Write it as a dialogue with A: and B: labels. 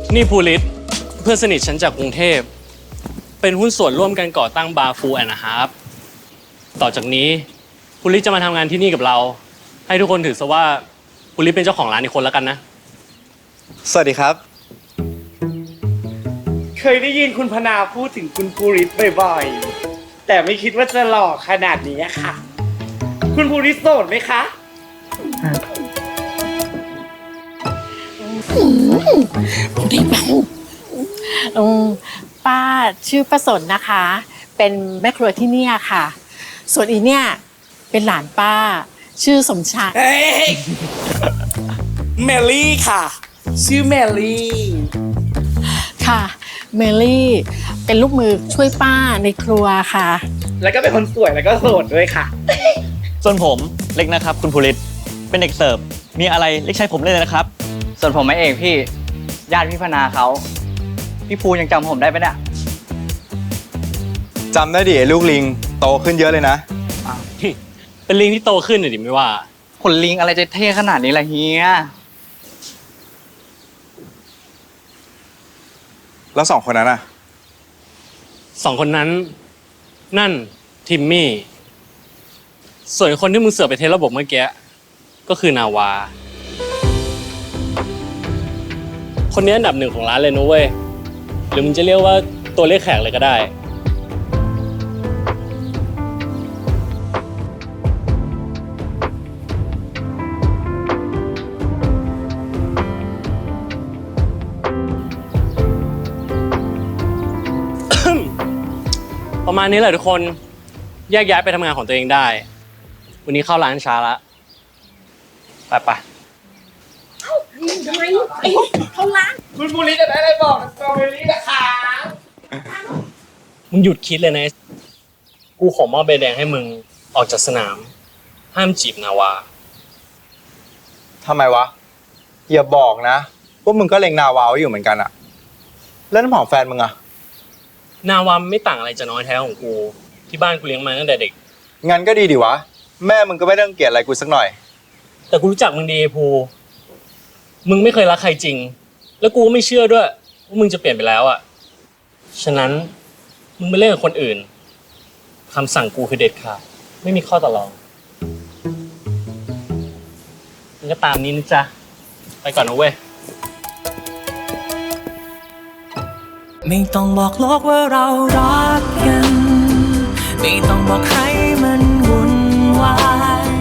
A: นี่ภูริศเพื่อนสนิทฉันจากกรุงเทพเป็นหุ้นส่วนร่วมกันก่อตั้งบาร์ฟูแอนด์ฮาร์ฟต่อจากนี้ภูริศจะมาทำงานที่นี่กับเราให้ทุกคนถือซะว่าภูริศเป็นเจ้าของร้านอีกคนแล้วกันนะ
B: สวัสดีครับ
C: เคยได้ยินคุณพนาพูดถึงคุณภูริศบ่อยๆแต่ไม่คิดว่าจะหล่อขนาดนี้ค่ะคุณภูริศโสดไหมคะ
D: ป้าชื่อป้าสนนะคะ เป็นแม่ครัวที่เนี่ยค่ะ ส่วนอีเนี่ยเป็นหลานป้าชื่อสมชาย
C: เมลี่ค่ะชื่อเมลี่
D: ค่ะเมลี่เป็นลูกมือช่วยป้าในครัวค่ะ
C: แล้วก็เป็นคนสวยแล้วก็โสดด้วยค่ะ
B: ส่วนผมเล็กนะครับคุณภูริศเป็นเด็กเสิร์ฟมีอะไรเรียกใช้ผมเลยนะครับ
E: ส่วนผมไม่เองพี่ญาติพี่พนาเขาพี่ภูยังจำผมได้ปะเนี่ย
B: จำได้ดิไอ้ลูกลิงโตขึ้นเยอะเลยนะ
A: เป็นลิงที่โตขึ้นหน่อยดิไม่ว่า
E: ขนลิงอะไรจะเท่ขนาดนี้ล่ะเฮีย
B: แล้วสองคนนั้นอ่ะ
A: สองคนนั้นนั่นทิมมี่ส่วนคนที่มึงเสือกไปเทสระบบเมื่อกี้ก็คือนาวาคนนี้อันดับหนึ่งของร้านเลยนะเว้ยหรือมึงจะเรียกว่าตัวเลขแขกเลยก็ได้ ประมาณนี้แหละทุกคนแยกย้ายไปทำงานของตัวเองได้วันนี้เข้าร้านช้าละไป
C: คุณภูริศจะได้อะไรบอกสตรอเบอรี่นะคะ
A: มึงหยุดคิดเลยนะกูขอมอบใบแดงให้มึงออกจากสนามห้ามจีบนาวา
B: ทำไมวะอย่าบอกนะว่ามึงก็เล็งนาวาไว้อยู่เหมือนกันอะแล้วน้ำหอมแฟนมึงอะ
A: นาวาไม่ต่างอะไรจากน้อยแท้ของกูที่บ้านกูเลี้ยงมาตั้งแต่เด็ก
B: งั้นก็ดีดิวะแม่มึงก็ไม่ต้องเกลียดอะไรกูสักหน่อย
A: แต่กูรู้จักมึงดีภูมึงไม่เคยรักใครจริงแล้วกูก็ไม่เชื่อด้วยว่ามึงจะเปลี่ยนไปแล้วอ่ะฉะนั้นมึงไปเล่นกับคนอื่นคำสั่งกูคือเด็ดขาดไม่มีข้อต่อรองมึงก็ตามนี้นะจ๊ะไปก่อนนะเว้ย
F: ไม่ต้องบอกโลกว่าเรารักกันไม่ต้องบอกให้มันวุ่นวาย